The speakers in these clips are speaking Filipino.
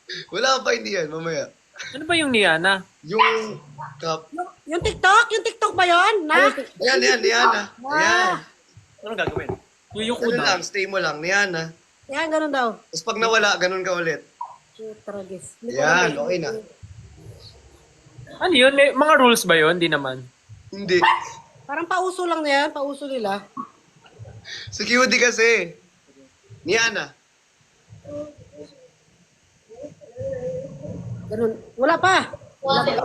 Wala pa, hindi yan, mamaya. Ano ba yung Niana? Yung cup. Yung TikTok? Yung TikTok ba yun? Na? Ayan, Niana. Ayan. Anong gagawin? Yuyuko Ano na. lang, stay mo lang, Niana. Yan, ganun daw. Tapos pag nawala, ganun ka ulit. Tragis. Yan, okay na. Ano yun? May mga rules ba yun? Hindi naman. Hindi. Parang pauso lang na yan. Pauso nila. Security kasi. Niana. Ganun. Wala pa. Wala pa.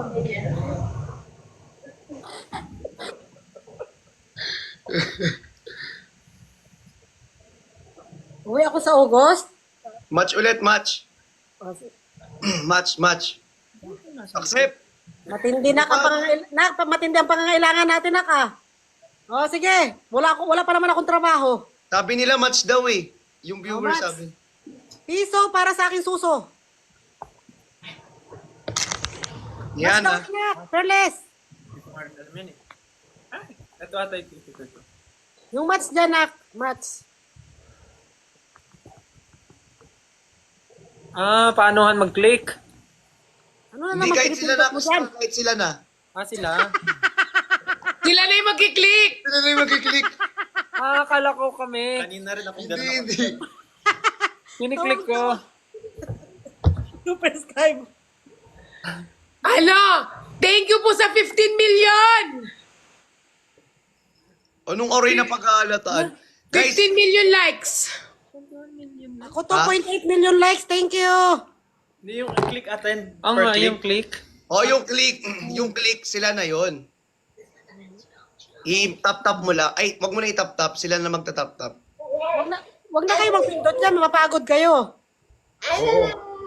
Uwi ako sa August. Match ulit, match. Match. Accept. Matindi na matindi ang pangangailangan natin na ka. Oh, sige. Wala pa naman akong trabaho. Sabi nila match daw eh. Yung viewer match. sabi. Piso para sa akin suso. Yan Mas daw, Perles. Ito ata ito. Yung match dyan, nak. Match. Paanohan mag-click? Ano na Hindi naman kahit sila na. pinipindot mo dyan? Kahit sila na. Sila? Sila na yung magkiklik! Sila na yung magkiklik. Akala ko kami. Kanina rin ako Hindi. Kiniklik ko. Super Skype. Ano? Thank you po sa 15 million! Anong oray na pag-aalataan? 15 Guys, million likes! Ako 2.8 million likes. Thank you. Hindi yung click attend Ang per click. yung click. yung click, sila na yon. I-tap-tap mo lang. Ay, wag mo na i-tap-tap. Sila na magta-tap-tap. Wag na kayo magpindot dyan. Mapapagod kayo. Oo.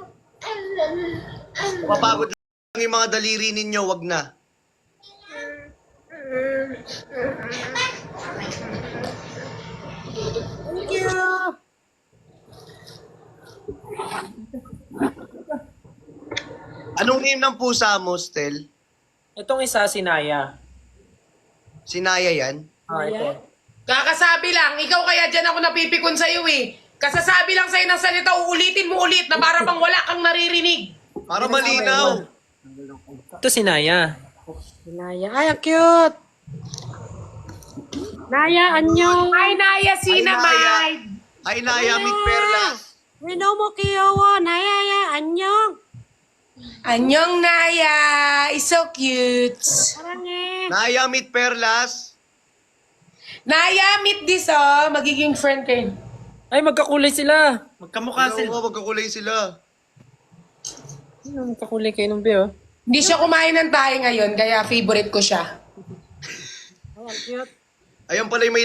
Mapapagod lang yung mga daliri ninyo. Wag na. Thank you. Anong name ng pusa mo, Stel? Itong isa, si Naya. Sinaya yan? Ito. Kakasabi lang, ikaw kaya dyan ako napipikon sa'yo eh. Kasasabi lang sa'yo ng salita, uulitin mo ulit na para bang wala kang naririnig. Para malinaw. Ito si Naya. Naya. Ay, ang cute. Naya, anyo. Ay, Naya, Sinamay! Ay, Naya, Meet Perlas. Rino mo kiyowo. Naya, ya, anyong. Anyong Naya! Is so cute! Parang eh. Naya, Meet Perlas. Naya, meet this oh! Magiging friend kayo. Ay, magkakulay sila. Magkamukha sila. Oo, magkakulay sila. Magkakulay kayo ng Bio. Hindi siya kumain ng tayo ngayon, kaya favorite ko siya. Ay, ang cute. Ayan pala yung may